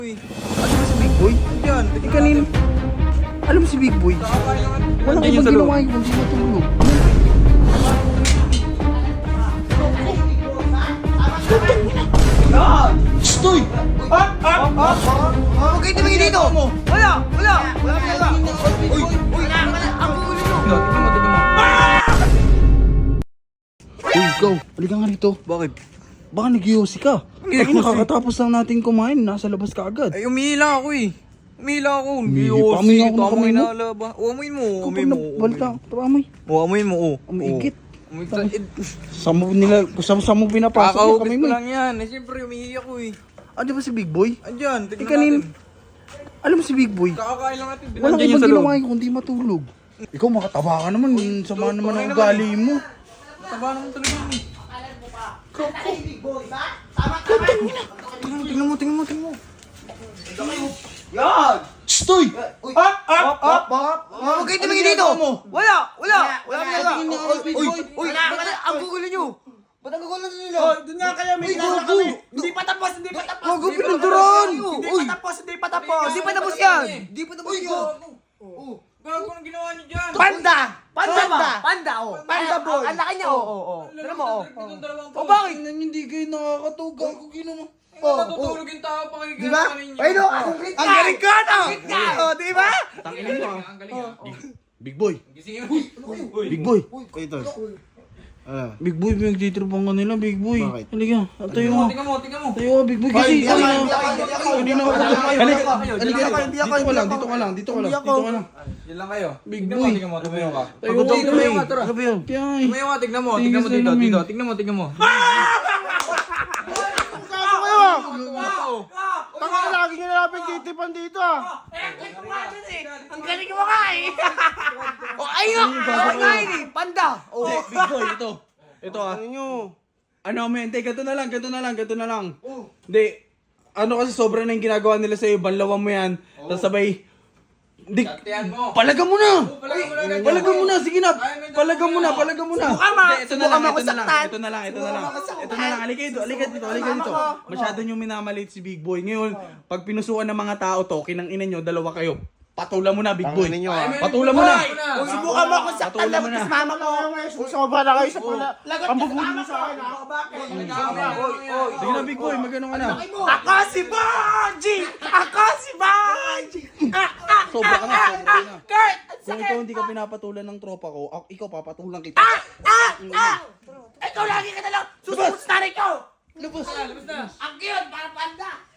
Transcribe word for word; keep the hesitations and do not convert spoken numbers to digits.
Alam mo si Big Boy? Yan, Eh kanina. Alam mo si Big Boy? Walang ibang ginawa yung hindi matulog. Stoy! Ah! Ah! Ah! Huwag kayo tumingin dito! Wala! Wala! Wala! Wala! Uy! Uy! Ang gulo nyo! Tingnan mo, tingnan mo. Uy, ikaw! Halika nga rito. Bakit? Baka nag-iossi ka. Ay, nakakatapos lang natin kumain. Nasa labas ka agad. Ay, umihila ako eh. Umihila ako. Umihi pa. Giyosi. Amoy ako ng Tama kamay yung mo. nalaba. O, amoy mo. Kapag Amoy mo. nabalta, tapamoy. O, amoy mo. O. Umiigit. Amoy ka. Eh, Sa mo nila, sa, sa mo pinapasok yung Kakahugis kamay ko mo. lang yan. Eh, siyempre, umihi ako eh. Ah, di ba si Big Boy? Andyan, Eh, tignan kanin. natin. Alam mo si Big Boy? Kakakain lang natin. Walang Andyan yung ibang sa loob. ginawa yung kundi matulog. Ikaw makataba ka naman. Sama naman ang ugali mo. Taba naman talaga yun eh. Tingnan mo, tingnan mo, tingnan mo. Stoy! Ah! Ah! Ah! Ah! Huwag kayo tumingin dito! Wala! Wala! Wala talaga! Uy! Uy! Ang gugulo nyo! Ba't ang gugulo nila? Oh, doon nga kayo, may Uy, ginagawa gago! kami. Hindi pa tapos, hindi pa tapos. Gago, Hindi pa pinunturan! tapos. Hindi Uy! pa tapos, hindi pa tapos. Hindi pa tapos yan. Di pa tapos yun! Gago nang ginawa niyo dyan! Panda! Panda ba? Panda, oh. Panda boy. Ang laki niya, oh. Oh, oh. Tignan mo, oh. O bakit? Hindi kayo nakakatog. Gago ginawa. Oh, natutulog yung tao pa kayo Di ba? Ay no, ang galing Ang galing ka na! Oh, di ba? Tanginin mo ah. Ang galing ah. Big Boy! Gisingin mo. Big Boy! Ito. Ah. Big Boy, pinagtitripang ka nila, Big Boy. Bakit? Halika, tayo mo. Tingnan mo, tingnan mo. Tayo ka, Big Boy. Kasi, Hindi ako, kanina- hindi ako, hindi ako. kanina ako. Hindi ako, Halika, hindi ako, halika, hindi ako, hindi ako, dito ka lang, hindi dito ka lang, dito ka lang, Hindi dito ako. ka lang. Yan lang kayo. Big Tingnan boy. mo, tingnan mo, tumayo ka. Tayo Pagod ka, ako, tumayo ka, tara. Ano ba yun? Kaya eh. Tumayo ka, tignan mo, Tingin tignan mo sa dito, lamin. dito, tignan mo, tignan mo. Gago kayo. Wow! Tanga na lagi nyo nalapit titipan dito ah. Ang galing mo nga, eh. Oh, ayun nga. Ayun nga, eh. Panda. Oh. Hindi, Big Boy, ito. Ito ah. Ano nyo? Ano, men, hindi, ganito na lang, ganito na lang, ganito na lang. Hindi, ano kasi sobra na yung ginagawa nila sa'yo, banlawan mo yan, tapos sabay, di, Tiyan mo. palaga mo na! Palaga mo na agad. Palaga mo na, sige na, Ay, may palaga mo na, dalawa. palaga mo na. Subukan ma- Hindi, ito na lang, subukan ito na lang, makasaktan. ito na lang, ito na lang. Ito na lang, halika dito, halika dito, halika dito. Masyado nyo minamalit si Big Boy. Ngayon, pag pinusuan ng mga tao to, kinang ina nyo, dalawa kayo. Patula mo na, Big Boy. Tangin nyo ah. Patula mo na. Kung subukan mo akong saktan Patula na mo na. ba't mama ko. Kung sobra na kayo sa pula. Ang bubuli mo sa akin ah. Sige na, Big Boy, magano ka na. Ako si Bonji! Ako si Bonji! Sobra ka na, sobra ka na. Kurt! Kung ikaw hindi ka pinapatulan ng tropa ko, ako, ikaw papatulan kita. Ah! Ah! Ikaw lagi ka na lang. Susunod sa tarik ko. Labas! Labas na. Ang cute, para panda.